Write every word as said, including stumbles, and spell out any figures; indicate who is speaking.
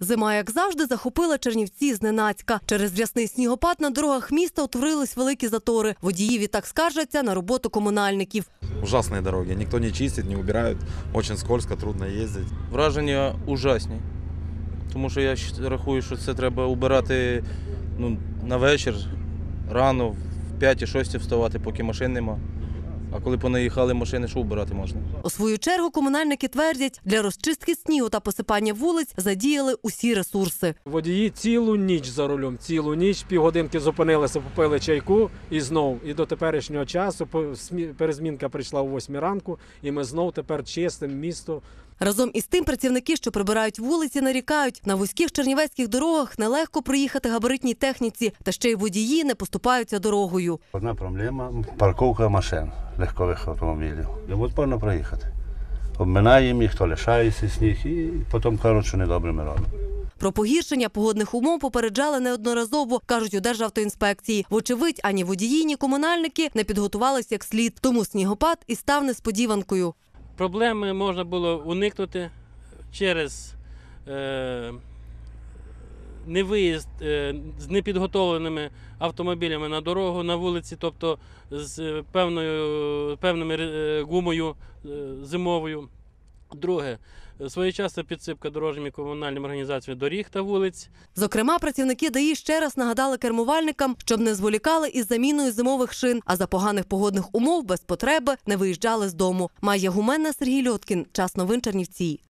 Speaker 1: Зима, як завжди, захопила Чернівці зненацька. Через рясний снігопад на дорогах міста утворились великі затори. Водії відтак скаржаться на роботу комунальників.
Speaker 2: Ужасные дороги. Никто не чистит, не убирают. Очень скользко, трудно ездить.
Speaker 3: Враження ужасні. Тому що я рахую, що це треба убирати ну, на вечір, рано, в п'ятій-шостій вставати, поки машин нема. А коли понаїхали машини, що убирати можна?
Speaker 1: У свою чергу комунальники твердять, для розчистки снігу та посипання вулиць задіяли усі ресурси.
Speaker 4: Водії цілу ніч за рулем, цілу ніч, півгодинки зупинилися, попили чайку і знов. І до теперішнього часу перезмінка прийшла о восьмій ранку, і ми знов тепер чистимо місто.
Speaker 1: Разом із тим працівники, що прибирають вулиці, нарікають, на вузьких чернівецьких дорогах нелегко проїхати габаритній техніці, та ще й водії не поступаються дорогою.
Speaker 5: Одна проблема – парковка машин, легкових автомобілів. Невозможно проїхати. Обминаємо їх, то лишається сніг і потім кажуть, що недобре ми робимо.
Speaker 1: Про погіршення погодних умов попереджали неодноразово, кажуть у Державтоінспекції. Вочевидь, ані водії, ні комунальники не підготувалися як слід, тому снігопад і став несподіванкою.
Speaker 6: Проблеми можна було уникнути через е, невиїзд е, з непідготовленими автомобілями на дорогу, на вулиці, тобто з певною, певною е, гумою е, зимовою. Друге, своєчасна підсипка дорожніми комунальними організаціями доріг та вулиць.
Speaker 1: Зокрема, працівники ДАІ ще раз нагадали кермувальникам, щоб не зволікали із заміною зимових шин, а за поганих погодних умов без потреби не виїжджали з дому. Майя Гуменна, Сергій Льоткін. Час новин Чернівці.